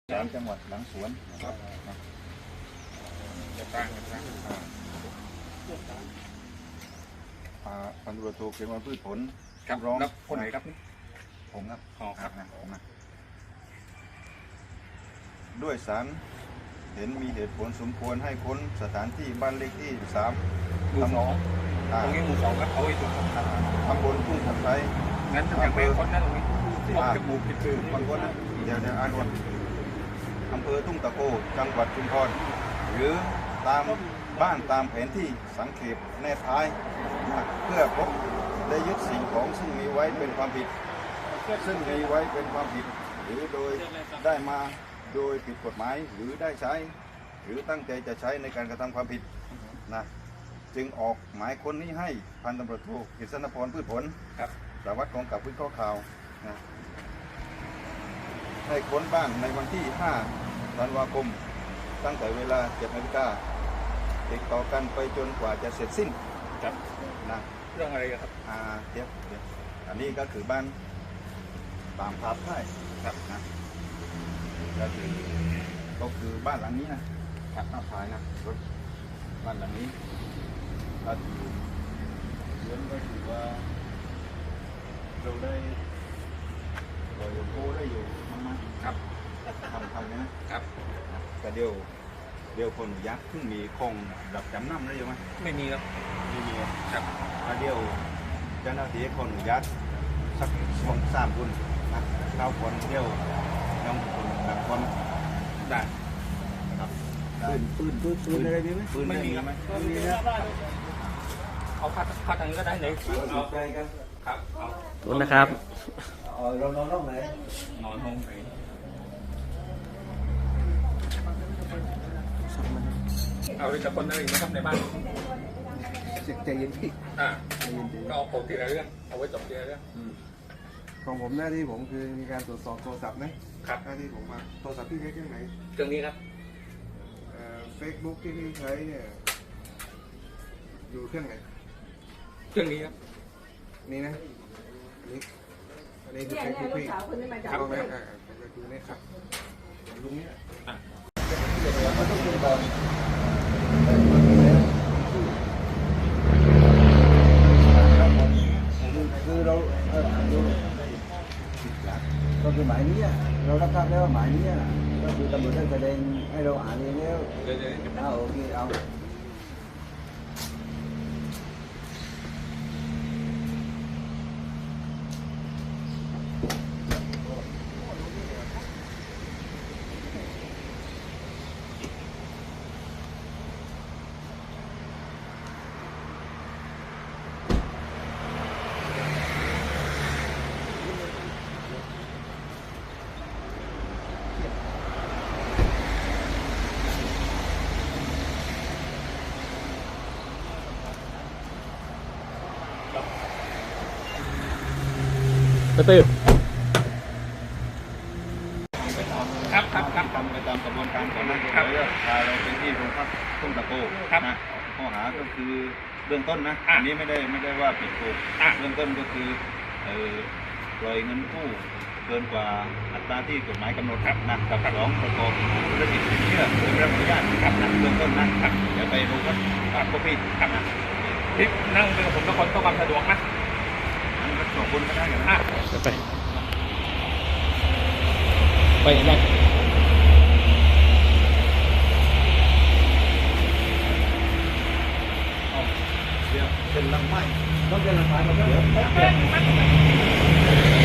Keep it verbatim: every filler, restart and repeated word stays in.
ศาลจังหวัดหลังสวนครับจะตั้งกันนะพันธุรโทเขียนว่าพืชผลครับร้องคนไหนครับผมครับอ๋อครับนะผมนะด้วยศาลเห็นมีเหตุผลสมควรให้ค้นสถานที่บ้านเลขที่สามหมู่สองตรงนี้หมู่สองครับเอาไว้ตรงตำบลทุ่งตะไคร้งั้นอย่างไปค้นนั่นตรงนี้บอกจะหมู่ผิดคือบางคนนะเดี๋ยวจะอ่านก่อนอำเภอทุ่งตะโกจังหวัดชุมพรหรือตามบ้านตามแผนที่สังเขปแนบท้ายเพื่อพบและยึดสิ่งของซึ่งมีไว้เป็นความผิดซึ่งมีไว้เป็นความผิดหรือโดยได้มาโดยผิดกฎหมายหรือได้ใช้หรือตั้งใจจะใช้ในการกระทำความผิดนะจึงออกหมายค้นนี้ให้พันตำรวจโทกฤษณพรพืชผลครับสารวัตรกองกับวิเคราะห์ข่าวนะให้ค้นบ้านในวันที่ห้าธันวาคมตั้งแต่เวลาเจ็ดนาฬิกาติดต่อกันไปจนกว่าจะเสร็จสิ้นครับนะเรื่องอะไรครับอ่าเดี๋ยวเดี๋ยวอันนี้ก็คือบ้านตามภาพได้ครับนะก็คือก็คือบ้านหลังนี้นะครับหน้าภายนะรถบ้านหลังนี้ก็คือเรื่องก็คือว่าเราได้เราอยู่โก้ได้อยู่มากๆครับทำทำนะครับแต่เดียวเดียวคนยักษ์เพิ่งมีคงดับจำนำได้ยังไหมไม่มีครับไม่มีครับแต่เดียวเจ้าหน้าที่คนยักษ์สักสองสามคนนะเก้าคนเดียวน้องคนดับคนได้ครับปืนปืนปืนปืนอะไรมีไหมปืนไม่มีครับไม่มีนะเอาพัดพัดทางนี้ก็ได้เลยเอาใจกันครับเอาตุนนะครับเรานอนห้องไหนนอนห้องไหนเอาไปจับคนอะไรไหมครับในบ้านใจเย็นพี่อ่าก็เอาผมทีละเรื่องเอาไว้จบทีละเรื่องของผมหน้าที่ผมคือมีการตรวจสอบโทรศัพท์นะครับหน้าที่ผมมาโทรศัพท์ที่ใช้เครื่องไหนเครื่องนี้ครับเฟซบุ๊กที่พี่ใช้เนี่ยอยู่เครื่องไหนเครื่องนี้ครับนี่นะอันนี้อันนี้คือเฟซบุ๊กพี่ครับไหมอ่าคือนี่ครับลุงนี้อ่ะมันต้องเป็นบอลคือเราเออก็คือหมายนี้เรารับทราบแล้วว่าหมายนี้ก็คือตำรวจได้แสดงให้เราอ่านเองแล้วเอาโอเคเอากระตือครับครับครับทำไปตามกระบวนการของนักครับพาเราไปที่โรงพักทุ่งตะโกครับนะข้อหาก็คือเบื้องต้นนะอันนี้ไม่ได้ไม่ได้ว่าผิดถูกเบื้องต้นก็คือเอ่อปล่อยเงินกู้เกินกว่าอัตราที่กฎหมายกำหนดครับนะกับสองประกอบธุรกิจสินเชื่อโดยไม่รับอนุญาตครับนะเบื้องต้นนะครับเดี๋ยวไปโรงพักครับพวกพี่ครับนะที่นั่งเป็นผมทุกคนต้องความสะดวกนะสองคนก็ได้กันนะไปไปไหนเดี๋ยวเป็นลังไม้ต้องเป็นลังไม้มาเดี๋ยว